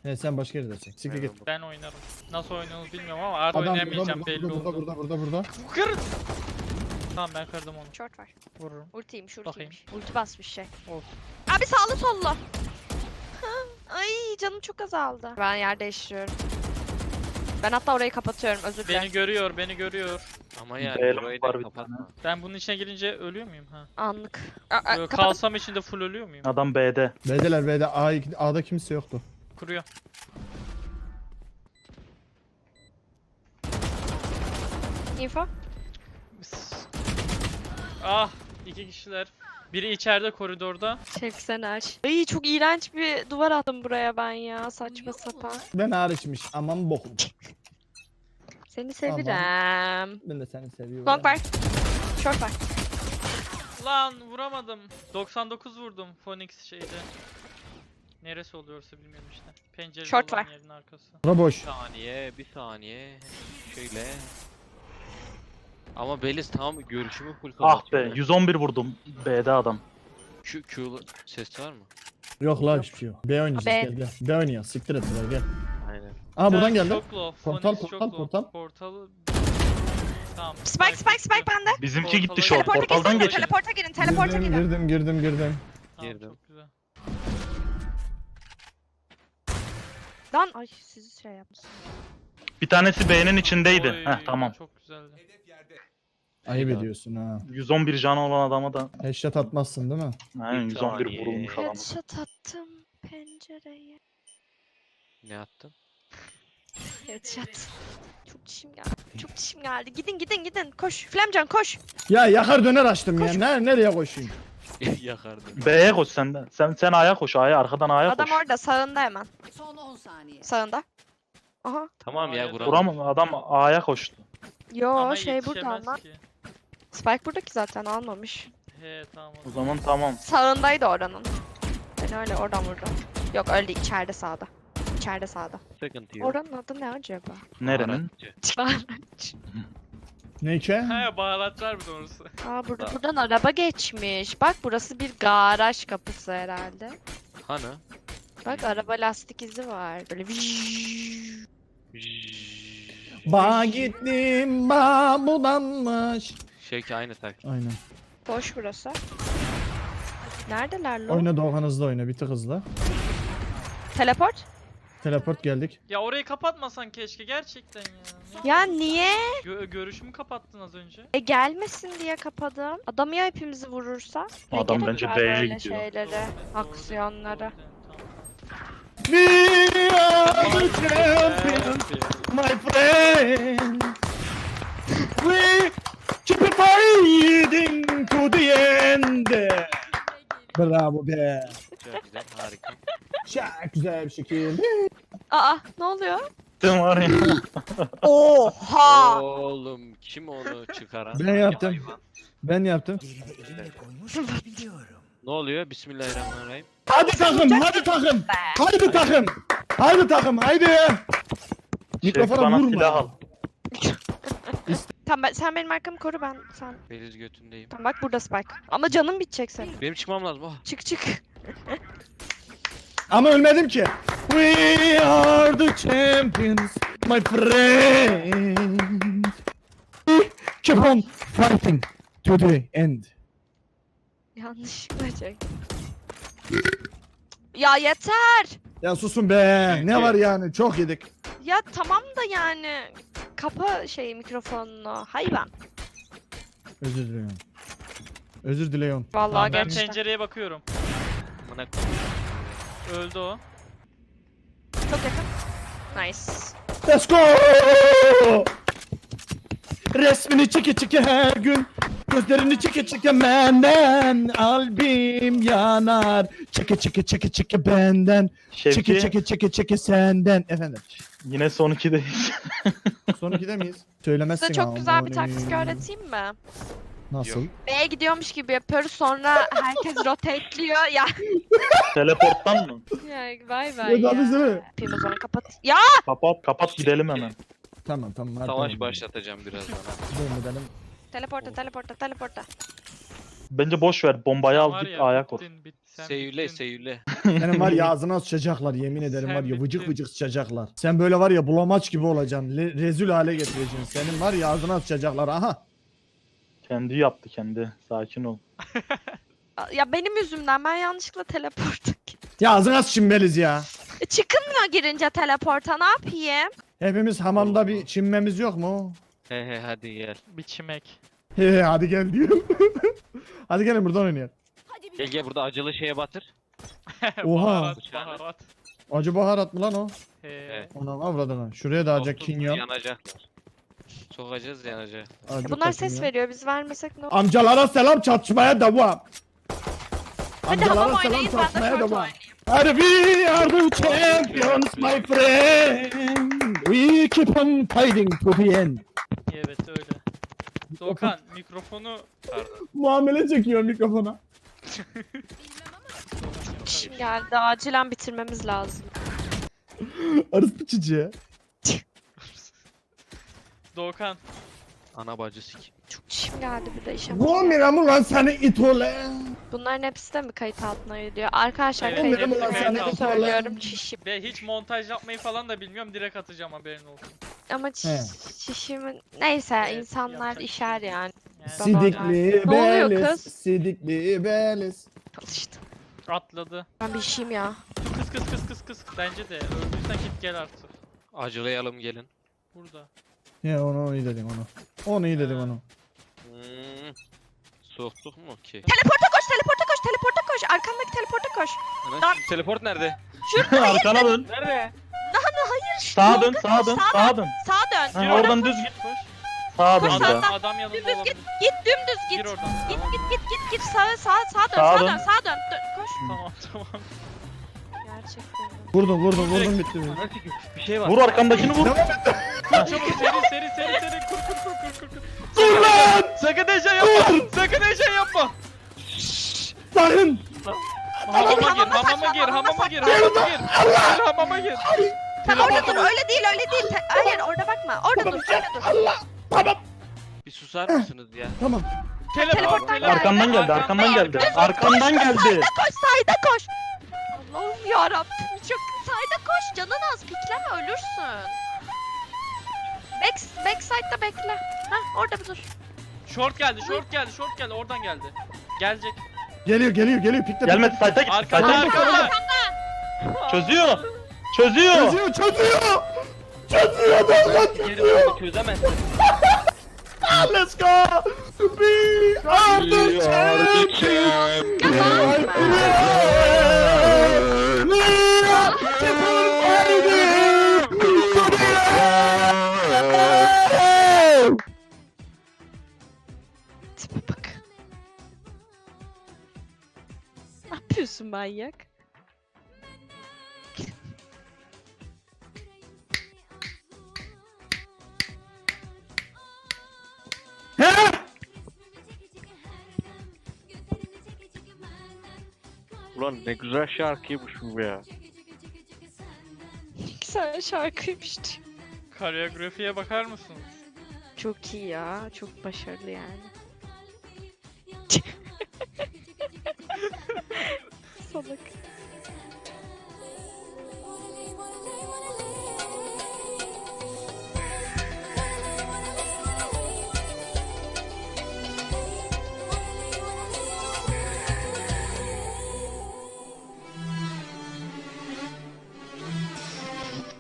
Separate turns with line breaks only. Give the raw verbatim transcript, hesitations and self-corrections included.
Evet sen başka yerde çek. Siktir git.
Ben oynarım. Nasıl oynuyorsunuz bilmiyorum ama artık
Adam burada
oynayamayacağım
burada
belli
burada,
oldu.
burada burada burada burada.
Kır! Tamam ben kırdım onu.
Short var.
Vururum.
Ultiymiş
Bakayım.
ultiymiş. Ulti basmış şey.
Olsun.
Abi sağlı sollu. Ay canım çok azaldı. Ben yer değiştiriyorum. Ben hatta orayı kapatıyorum özür dilerim.
Beni görüyor, beni görüyor.
Ama yani
Beyler
burayı
var
da
bir
kapatma.
Ben bunun içine girince ölüyor muyum ha?
Anlık. Aa, aa,
Böyle
kapat-
kalsam içinde full ölüyor muyum?
Adam B'de.
B'deler B'de. A, A'da kimse yoktu.
Kuruyor.
Info.
Ah, iki kişiler. Biri içeride koridorda.
Şevki sen aç. Ay çok iğrenç bir duvar attım buraya ben ya. Saçma sapan.
Ben hariçmiş. Aman bokum.
Seni seviyorum.
Ben de seni seviyorum.
Long var. Short var.
Lan vuramadım. doksan dokuz vurdum Phoenix şeyde. Neresi oluyorsa bilmiyorum işte. Pencere
Short
olan
var.
yerin arkası.
Bura boş.
Bir saniye, bir saniye. Şöyle. Ama Beliz tam görüşümü full
Ah
kapatıyor.
be yüz on bir vurdum. B'de adam.
Q, Q'lu ses var mı?
Yok la hiçbir şey yok. B oynayacağız
B.
gel gel. B oynayalım. Siktir et buraya gel.
Aynen.
Aa buradan
Sen
geldi.
Çok low.
Portal,
Phoenix çok
portal,
low.
portal.
Portalı... Tamam.
Spike spike spike bende.
Bizimki gitti
Portala-
short.
Teleporta
Portaldan
girin.
geçin.
Teleporta girin. Teleporta
Girdim
girin.
girdim girdim girdim.
Tamam,
Girdim.
çok güzel.
Lan ay sizi şey yapmışsın.
Bir tanesi B'nin içindeydi.
Oy,
Heh tamam.
Çok güzeldi.
Ayıp
Eyvah.
ediyorsun ha.
yüz on bir canı olan adama da.
Headshot atmazsın değil mi?
Aynen yüz on bir
saniye.
vurulmuş adama.
Headshot attım pencereye.
Ne attın?
Headshot. Çok dişim geldi. Çok dişim geldi. Gidin gidin gidin. Koş. Flamcan koş.
Ya yakar döner açtım ya.
Koş.
Ne, nereye koşayım?
Yakardım.
B'ye koş sen de. Sen sen A'ya koş. A'ya arkadan A'ya
Adam
koş.
orada sağında hemen.
Son on saniye.
Sağında. Aha.
Tamam ya
Hayır.
Burak.
Vuramam adam A'ya koştu.
Yo
Ama
şey burada
yetişemez
ama.
ki.
Spike buradaki zaten almamış.
He tamam.
O zaman tamam.
Sağındaydı oranın. Ben öyle oradan vurdum. Yok öyle değil, içeride sağda. İçeride sağda.
Sıkıntı yok.
Oranın adı ne acaba?
Nerenin?
Baharatçı.
Ne ki?
He baharatlar bir doğrusu.
Aa burada buradan araba geçmiş. Bak burası bir garaj kapısı herhalde.
Hani?
Bak araba lastik izi var. Böyle vijjjj.
Ba gittim ba budanmış.
Şey ki aynı tak.
Aynen.
Boş burası. Neredeler lo?
Oyna Doğan hızlı oyna bir tık hızlı.
Teleport?
Teleport geldik.
Ya orayı kapatmasan keşke gerçekten ya. Ne-
Ya niye?
Gö- görüşümü kapattın az önce.
E gelmesin diye kapadım. Adam ya hepimizi vurursa? Ne
Adam
gerek
bence
var
B'ye
böyle
gidiyor.
şeylere,
Doğru,
aksiyonlara.
doğru, doğru, tamam.
We are the champions, my friend. We keep it fighting to the end. Bravo be.
Çok güzel, harika.
Çok güzel bir şekil.
Aa ne oluyor?
Sen var ya.
Oha!
Oğlum kim onu çıkaran?
Ben yaptım. Ben yaptım.
Ne oluyor? Bismillahirrahmanirrahim.
Hadi takım, hadi takım. Hadi takım. Hadi takım, haydi. Mikrofona
bana
vurma.
silah al.
Tamam ben, sen benim arkamı koru ben sen.
Beliz götündeyim.
Tamam bak burada Spike. Ama canım bitecek senin.
Benim çıkmam lazım. Oh.
Çık çık.
Ama ölmedim ki. We are the champions, my friend. We keep on fighting to the end.
Yanlışlıkla çek. Ya yeter.
Ya susun be. Ne var yani? Çok yedik.
Ya tamam da yani. Kapa şey mikrofonunu. Hayvan.
Özür diliyorum. Özür diliyorum.
Vallahi
Tamam, ben
gerçekten.
pencereye bakıyorum.
Amına
Öldü o.
Çok yakın. Nice.
Let's go! Resmini çeke çeke her gün. Gözlerini çeke çeke benden. Albüm yanar. Çeke çeke çeke çeke benden. Çeke
Şevki
çeke çeke çeke senden. Efendim.
yine son ikideyiz.
Son ikide miyiz? Söylemezsin
Size çok güzel bir
ama.
taktik öğreteyim mi?
Nasıl?
Yok.
B'ye gidiyormuş gibi yapıyoruz sonra herkes rotateliyor ya.
Teleporttan mı?
Ya bay bay
Ya,
ya.
bizi mi?
Yapayım o zaman kapat. Ya!
Kapat kapat gidelim hemen.
Tamam tamam. hadi
Savaş
tamam.
başlatacağım birazdan.
Devam edelim.
Teleporta teleporta teleporta.
Bence boş ver. Bombayı
Sen
al
var
git
ya,
A'ya kur.
bittin, bit- sen
Seyüle
bittin.
seyüle.
Senin var ya ağzına sıçacaklar yemin ederim
Sen
var ya vıcık
bittin.
vıcık sıçacaklar. Sen böyle var ya bulamaç gibi olacaksın. Le- rezil hale getireceksin. Senin var ya ağzına sıçacaklar aha.
Kendi yaptı kendi. Sakin ol.
Ya benim yüzümden ben yanlışlıkla teleporta gittim.
Ya ağzına sıçın Beliz ya.
E, çıkılmıyor girince teleporta ne yapayım?
Hepimiz hamamda bir çinmemiz yok mu?
He he hadi gel.
Biçimek.
He he hadi gel diyor. Hadi gelin buradan oynayalım.
Gel gel burada acılı şeye batır.
Oha.
Baharat,
Bıçağını.
baharat.
Acı baharat mı lan o?
He.
Evet.
Anam avradına. Şuraya da acı
Soktuk mu
kinyon.
yanacaklar. Sokacağız yanacak.
Acı
Bunlar ses
kinyon.
veriyor biz vermesek ne olur?
Amcalara selam çatışmaya devam.
Hadi
Amcalara
hamam
selam
oynayın ben de
çatışmaya
short
devam.
oynayayım.
Hadi we are the champions my friend. We keep on fighting to the end.
Evet öyle. Doğukan mikrofonu
Muamele çekiyor mikrofona.
Şimdi geldi acilen bitirmemiz lazım.
Arısı çiçeği.
Doğukan
Ana bacı sik.
Çok çişim geldi bir de işe.
Bu miramı lan seni it ole.
Bunların hepsi de mi kayıt altına geliyor? Arkadaşlar
Evet,
kayıt
hepsi
altına
kayıt
geliyor
altına.
söylüyorum çişim.
ve hiç montaj yapmayı falan da bilmiyorum, direkt atacağım, haberin olsun.
Ama
He.
çiş- çişimin... Neyse
Evet,
insanlar
yapacak bir
işer
şey yok.
yani.
Yani
Sidikli
Ne oluyor
beliz.
kız?
Sidikli beliz.
Al işte.
atladı.
Ben bir işim ya.
Kıs kıs kıs kıs kıs. Bence de öldüysen git gel artık.
Acılayalım gelin.
Burada.
Ya onu onu iyi dedim onu. Onu iyi dedim
Ha.
onu.
Hmm. Soktuk mu ki?
Teleporta koş, teleporta koş, teleporta koş. Arkandaki teleporta koş.
Ana, şu teleport nerede?
Arkana dön.
Nerede?
Sağa dön, sağa dön, sağa dön.
Sağa dön.
Ha,
Gir
oradan
oradan,
düz
git koş.
Sağa dön
Koş,
bir
sağa,
daha.
sağa.
Adam yanında
Dümdüz
olabilir.
Git dümdüz git.
Gir oradan.
Git
Tamam.
git git git git sağa sağa sağa dön
Sağa
sağa
dön.
dön sağa dön. Dön, koş.
Tamam tamam.
Gerçekten.
Vurdum vurdum vurdum bitti.
Ana sik. Bir şey var.
Vur arkandakini vur.
Çabuk seri seri seri seri kur kur kur kur kur kur. Dur lan! Sakın heyecan yapma. Sakın heyecan yapma.
Sakın.
Hamama gir,
hamama
hamama
saklan,
gir,
hamama
hamama gir, hamama gir. Gir hamama gir.
Sen orada
Teleporta
dur
bak.
öyle değil öyle değil. Te- Hayır orada bakma. Orada dur öyle dur.
Allah. Tamam.
Bir susar mısınız ya?
Tamam.
Teleporttan geldi.
Arkandan geldi, arkandan geldi. Arkandan geldi.
Sayda koş sayda koş. Allah'ım yarabbim çok sayda koş canın az pikleme ölürsün. Back, backside'da bekle. Hah orada bir dur.
Short geldi, short geldi, short geldi. Oradan geldi. Gelecek.
Geliyor geliyor geliyor pikle.
Gelmedi sayta git.
Arkada,
Sayta git.
arkada.
Çözüyor. Çözüyor.
Çözüyor çözüyor. Çözüyor lan
Geri
çözüyor.
dönüp çözemezsin.
Let's go. We are the champions. We are the champions.
Tipe bak. Ne yapıyorsun manyak?
Ulan ne güzel şarkıymış bu ya.
Güzel şarkıymış.
Koreografiye bakar mısınız?
Çok iyi ya. Çok başarılı yani.